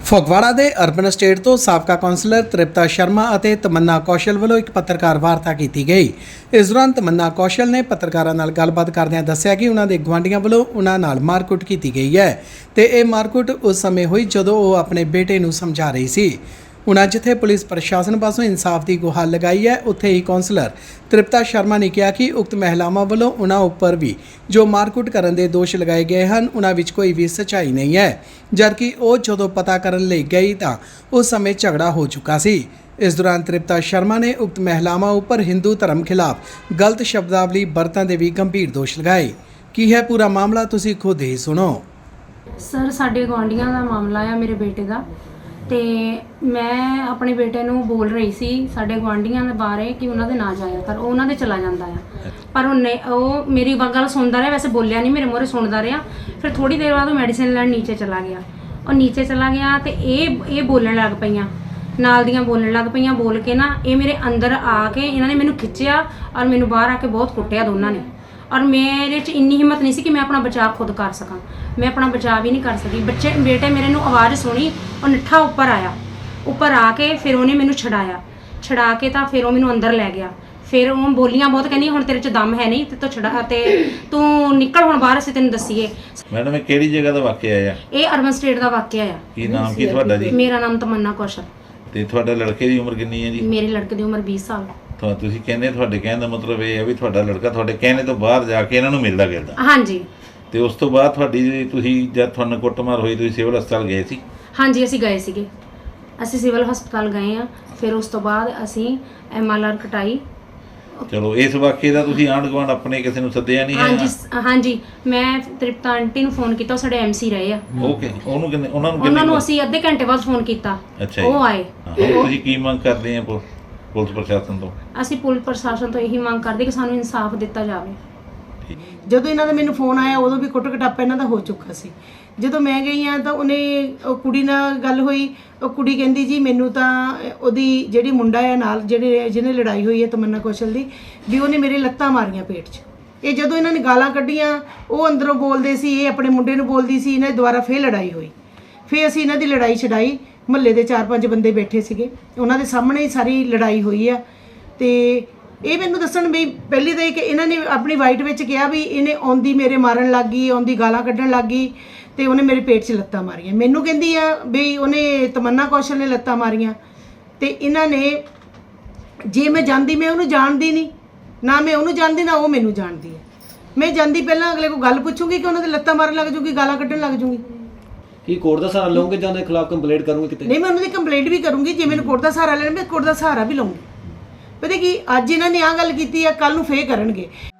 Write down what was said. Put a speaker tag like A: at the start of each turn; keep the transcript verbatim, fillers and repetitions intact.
A: ਫਗਵਾੜਾ ਦੇ urban state ਤੋਂ ਸਾਬਕਾ ਕੌਂਸਲਰ ਤ੍ਰਿਪਤਾ ਸ਼ਰਮਾ ਅਤੇ ਤਮੰਨਾ ਕੌਸ਼ਲ ਵੱਲੋਂ ਇੱਕ ਪੱਤਰਕਾਰ ਵਾਰਤਾ ਕੀਤੀ ਗਈ। ਇਸ ਦੌਰਾਨ ਤਮੰਨਾ ਕੌਸ਼ਲ ਨੇ ਪੱਤਰਕਾਰਾਂ ਨਾਲ ਗੱਲਬਾਤ ਕਰਦਿਆਂ ਦੱਸਿਆ ਕਿ ਉਹਨਾਂ ਦੇ ਗੁਆਂਢੀਆਂ ਵੱਲੋਂ ਉਹਨਾਂ ਨਾਲ ਮਾਰਕੁੱਟ ਕੀਤੀ ਗਈ ਹੈ ਤੇ ਇਹ ਮਾਰਕੁੱਟ ਉਸ ਸਮੇਂ ਹੋਈ ਜਦੋਂ ਉਹ ਆਪਣੇ ਬੇਟੇ ਨੂੰ ਸਮਝਾ ਰਹੀ ਸੀ। ਉਨ੍ਹਾਂ ਜਿੱਥੇ ਪੁਲਿਸ ਪ੍ਰਸ਼ਾਸਨ ਪਾਸੋਂ ਇਨਸਾਫ ਦੀ ਗੁਹਾਰ ਲਗਾਈ ਹੈ, ਉੱਥੇ ਹੀ ਕੌਂਸਲਰ ਤ੍ਰਿਪਤਾ ਸ਼ਰਮਾ ਨੇ ਕਿਹਾ ਕਿ ਉਕਤ ਮਹਿਲਾਵਾਂ ਵੱਲੋਂ ਉਨ੍ਹਾਂ ਉੱਪਰ ਵੀ ਜੋ ਮਾਰਕੁੱਟ ਕਰਨ ਦੇ ਦੋਸ਼ ਲਗਾਏ ਗਏ ਹਨ, ਉਨ੍ਹਾਂ ਵਿੱਚ ਕੋਈ ਵੀ ਸੱਚਾਈ ਨਹੀਂ ਹੈ, ਜਦਕਿ ਉਹ ਜਦੋਂ ਪਤਾ ਕਰਨ ਲਈ ਗਈ ਤਾਂ ਉਸ ਸਮੇਂ ਝਗੜਾ ਹੋ ਚੁੱਕਾ ਸੀ। ਇਸ ਦੌਰਾਨ ਤ੍ਰਿਪਤਾ ਸ਼ਰਮਾ ਨੇ ਉਕਤ ਮਹਿਲਾਵਾਂ ਉੱਪਰ ਹਿੰਦੂ ਧਰਮ ਖਿਲਾਫ ਗਲਤ ਸ਼ਬਦਾਵਲੀ ਵਰਤਣ ਦੇ ਵੀ ਗੰਭੀਰ ਦੋਸ਼ ਲਗਾਏ। ਕੀ ਹੈ ਪੂਰਾ ਮਾਮਲਾ, ਤੁਸੀਂ ਖੁਦ ਹੀ ਸੁਣੋ।
B: ਸਰ, ਸਾਡੇ ਗੁਆਂਢੀਆਂ ਦਾ ਮਾਮਲਾ ਆ, ਮੇਰੇ ਬੇਟੇ ਦਾ। ਤੇ ਮੈਂ ਆਪਣੇ ਬੇਟੇ ਨੂੰ ਬੋਲ ਰਹੀ ਸੀ ਸਾਡੇ ਗੁਆਂਢੀਆਂ ਦੇ ਬਾਰੇ ਕਿ ਉਹਨਾਂ ਦੇ ਨਾ ਜਾਇਆ ਕਰ, ਉਹ ਉਹਨਾਂ ਦੇ ਚਲਾ ਜਾਂਦਾ ਆ। ਪਰ ਉਹਨੇ ਉਹ ਮੇਰੀ ਗੱਲ ਸੁਣਦਾ ਰਿਹਾ, ਵੈਸੇ ਬੋਲਿਆ ਨਹੀਂ, ਮੇਰੇ ਮੂਹਰੇ ਸੁਣਦਾ ਰਿਹਾ। ਫਿਰ ਥੋੜੀ ਦੇਰ ਬਾਅਦ ਉਹ ਮੈਡੀਸਿਨ ਲੈਣ ਨੀਚੇ ਚਲਾ ਗਿਆ। ਉਹ ਨੀਚੇ ਚਲਾ ਗਿਆ ਤੇ ਇਹ ਇਹ ਬੋਲਣ ਲੱਗ ਪਈਆਂ, ਨਾਲ ਦੀਆਂ ਬੋਲਣ ਲੱਗ ਪਈਆਂ। ਬੋਲ ਕੇ ਨਾ ਇਹ ਮੇਰੇ ਅੰਦਰ ਆ ਕੇ ਇਹਨਾਂ ਨੇ ਮੈਨੂੰ ਖਿੱਚਿਆ ਔਰ ਮੈਨੂੰ ਬਾਹਰ ਆ ਕੇ ਬਹੁਤ ਕੁੱਟਿਆ ਦੋਨਾਂ ਨੇ। ਔਰ ਮੇਰੇ 'ਚ ਇੰਨੀ ਹਿੰਮਤ ਨਹੀਂ ਸੀ ਕਿ ਮੈਂ ਆਪਣਾ ਬਚਾਅ ਖੁਦ ਕਰ ਸਕਾਂ। ਮੈਂ ਆਪਣਾ ਬਚਾਅ ਵੀ ਨਹੀਂ ਕਰ ਸਕੀ। ਬੱਚੇ ਬੇਟੇ ਮੇਰੇ ਨੂੰ ਆਵਾਜ਼ ਸੁਣੀ, ਉਹ ਨੱਠਾ ਉੱਪਰ ਆਇਆ। ਉੱਪਰ ਆ ਕੇ ਫਿਰ ਉਹਨੇ ਮੈਨੂੰ ਛਡਾਇਆ। ਛਡਾ ਕੇ ਤਾਂ ਫਿਰ ਉਹ ਮੈਨੂੰ ਅੰਦਰ ਲੈ ਗਿਆ। ਫਿਰ ਉਹ ਬੋਲੀਆਂ ਬਹੁਤ, ਕਹਿੰਦੀ ਹੁਣ ਤੇਰੇ 'ਚ ਦਮ ਹੈ ਨਹੀਂ ਤੇ ਤੂੰ ਛਡਾ ਤੇ ਤੂੰ ਨਿਕਲ ਹੁਣ ਬਾਹਰ, ਅਸੀਂ ਤੈਨੂੰ ਦੱਸੀਏ।
C: ਮੈਡਮ, ਇਹ ਕਿਹੜੀ ਜਗ੍ਹਾ ਦਾ ਵਾਕਿਆ ਆ?
B: ਇਹ ਅਰਬਨ ਸਟੇਟ ਦਾ ਵਾਕਿਆ ਆ।
C: ਕੀ ਨਾਮ ਕੀ ਤੁਹਾਡਾ ਜੀ?
B: ਮੇਰਾ ਨਾਮ ਤਮੰਨਾ ਕੌਸ਼ਲ।
C: ਤੇ ਤੁਹਾਡੇ ਲੜਕੇ ਦੀ ਉਮਰ ਕਿੰਨੀ ਹੈ ਜੀ?
B: ਮੇਰੇ ਲੜਕੇ ਦੀ ਉਮਰ ਵੀਹ ਸਾਲ।
C: ਤਾਂ ਤੁਸੀਂ ਕਹਿੰਦੇ, ਤੁਹਾਡੇ ਕਹਿਣ ਦਾ ਮਤਲਬ ਇਹ ਹੈ ਵੀ ਤੁਹਾਡਾ ਲੜਕਾ ਤੁਹਾਡੇ ਕਹਿਣੇ ਤੋਂ ਬਾਹਰ ਜਾ ਕੇ ਇਹਨਾਂ ਨੂੰ ਮਿਲਦਾ ਗਿਲਦਾ।
B: ਹਾਂਜੀ।
C: ਤੇ ਉਸ ਤੋਂ ਬਾਅਦ ਤੁਹਾਡੀ ਤੁਸੀਂ ਜਦ ਤੁਹਾਨੂੰ ਕੁੱਟਮਾਰ ਹੋਈ ਤੁਸੀਂ ਸਿਵਲ ਹਸਪਤਾਲ ਗਏ ਸੀ?
B: ਹਾਂਜੀ, ਅਸੀਂ ਗਏ ਸੀਗੇ। ਅਸੀਂ ਸਿਵਲ ਹਸਪਤਾਲ ਗਏ ਆ। ਫਿਰ ਉਸ ਤੋਂ ਬਾਅਦ ਅਸੀਂ ਐਮ ਐਲ ਆਰ ਕਟਾਈ।
C: ਚਲੋ, ਇਸ ਵਾਕਿਏ ਦਾ ਤੁਸੀਂ ਆਂਢ ਗੁਆਂਢ ਆਪਣੇ ਕਿਸੇ ਨੂੰ ਸੱਦਿਆ ਨਹੀਂ?
B: ਹਾਂਜੀ ਹਾਂਜੀ, ਮੈਂ ਤ੍ਰਿਪਤਾ ਆਂਟੀ ਨੂੰ ਫੋਨ ਕੀਤਾ, ਉਹ ਸਾਡੇ ਐਮ ਸੀ ਰਹੇ ਆ।
C: ਓਕੇ, ਉਹਨੂੰ ਕਿੰਨੇ ਉਹਨਾਂ ਨੂੰ
B: ਉਹਨਾਂ ਨੂੰ ਅਸੀਂ ਅੱਧੇ ਘੰਟੇ ਬਾਅਦ ਫੋਨ ਕੀਤਾ, ਉਹ ਆਏ।
C: ਤੁਸੀਂ ਕੀ ਮੰਗ ਕਰਦੇ ਆ ਪੁਲਿਸ ਪ੍ਰਸ਼ਾਸਨ ਤੋਂ?
B: ਅਸੀਂ ਪੁਲਿਸ ਪ੍ਰਸ਼ਾਸਨ ਤੋਂ ਇਹੀ ਮੰਗ ਕਰਦੇ ਕਿ ਸਾਨੂੰ ਇਨਸਾਫ ਦਿੱਤਾ ਜਾਵੇ।
D: ਜਦੋਂ ਇਹਨਾਂ ਦਾ ਮੈਨੂੰ ਫੋਨ ਆਇਆ ਉਦੋਂ ਵੀ ਕੁੱਟ ਕਟਾਪਾ ਇਹਨਾਂ ਦਾ ਹੋ ਚੁੱਕਾ ਸੀ। ਜਦੋਂ ਮੈਂ ਗਈ ਆ ਤਾਂ ਉਹਨੇ ਉਹ ਕੁੜੀ ਨਾਲ ਗੱਲ ਹੋਈ। ਉਹ ਕੁੜੀ ਕਹਿੰਦੀ ਜੀ ਮੈਨੂੰ ਤਾਂ ਉਹਦੀ ਜਿਹੜੀ ਮੁੰਡਾ ਆ ਨਾਲ ਜਿਹੜੇ ਜਿਹਨੇ ਲੜਾਈ ਹੋਈ ਹੈ ਤਮੰਨਾ ਕੌਸ਼ਲ ਦੀ, ਵੀ ਉਹਨੇ ਮੇਰੇ ਲੱਤਾਂ ਮਾਰੀਆਂ ਪੇਟ 'ਚ। ਇਹ ਜਦੋਂ ਇਹਨਾਂ ਨੇ ਗਾਲਾਂ ਕੱਢੀਆਂ, ਉਹ ਅੰਦਰੋਂ ਬੋਲਦੇ ਸੀ, ਇਹ ਆਪਣੇ ਮੁੰਡੇ ਨੂੰ ਬੋਲਦੀ ਸੀ। ਇਹਨਾਂ ਦੀ ਦੁਬਾਰਾ ਫੇਰ ਲੜਾਈ ਹੋਈ। ਫੇਰ ਅਸੀਂ ਇਹਨਾਂ ਦੀ ਲੜਾਈ ਛਡਾਈ। ਮੁਹੱਲੇ ਦੇ ਚਾਰ ਪੰਜ ਬੰਦੇ ਬੈਠੇ ਸੀਗੇ, ਉਹਨਾਂ ਦੇ ਸਾਹਮਣੇ ਹੀ ਸਾਰੀ ਲੜਾਈ ਹੋਈ ਆ। ਤੇ ਇਹ ਮੈਨੂੰ ਦੱਸਣ ਵੀ ਪਹਿਲੀ ਤਾਂ ਇਹ ਕਿ ਇਹਨਾਂ ਨੇ ਆਪਣੀ ਵਾਈਟ ਵਿੱਚ ਕਿਹਾ ਵੀ ਇਹਨੇ ਆਉਂਦੀ ਮੇਰੇ ਮਾਰਨ ਲੱਗ ਗਈ, ਆਉਂਦੀ ਗਾਲਾਂ ਕੱਢਣ ਲੱਗ ਗਈ ਤੇ ਉਹਨੇ ਮੇਰੇ ਪੇਟ 'ਚ ਲੱਤਾਂ ਮਾਰੀਆਂ। ਮੈਨੂੰ ਕਹਿੰਦੀ ਆ ਵੀ ਉਹਨੇ ਤਮੰਨਾ ਕੌਸ਼ਲ ਨੇ ਲੱਤਾਂ ਮਾਰੀਆਂ। ਤੇ ਇਹਨਾਂ ਨੇ, ਜੇ ਮੈਂ ਜਾਂਦੀ, ਮੈਂ ਉਹਨੂੰ ਜਾਣਦੀ ਨਹੀਂ, ਨਾ ਮੈਂ ਉਹਨੂੰ ਜਾਣਦੀ ਨਾ ਉਹ ਮੈਨੂੰ ਜਾਣਦੀ ਹੈ। ਮੈਂ ਜਾਂਦੀ ਪਹਿਲਾਂ ਅਗਲੇ ਕੋਲ ਗੱਲ ਪੁੱਛੂੰਗੀ ਕਿ ਉਹਨਾਂ ਦੇ ਲੱਤਾਂ ਮਾਰਨ ਲੱਗ ਜੂਗੀ, ਗਾਲਾਂ ਕੱਢਣ ਲੱਗ ਜੂਗੀ।
E: ਕੀ ਕੋਰਟ ਦਾ ਸਹਾਰਾ ਲਓਗੇ ਜਾਂ ਉਹਦੇ ਖਿਲਾਫ ਕੰਪਲੇਂਟ ਕਰੋਗੇ ਕਿਤੇ?
D: ਨਹੀਂ, ਮੈਂ ਉਹਨਾਂ ਦੀ ਕੰਪਲੇਂਟ ਵੀ ਕਰੂੰਗੀ। ਜੇ ਮੈਨੂੰ ਕੋਰਟ ਦਾ ਸਹਾਰਾ ਲੈਣਾ, ਮੈਂ ਕੋਰਟ ਦਾ ਸਹਾਰਾ ਵੀ ਲਵਾਂਗੀ। ਪਤਾ ਕੀ, ਅੱਜ ਇਹਨਾਂ ਨੇ ਆਹ ਗੱਲ ਕੀਤੀ ਆ, ਕੱਲ ਨੂੰ ਫੇਰ ਕਰਨਗੇ।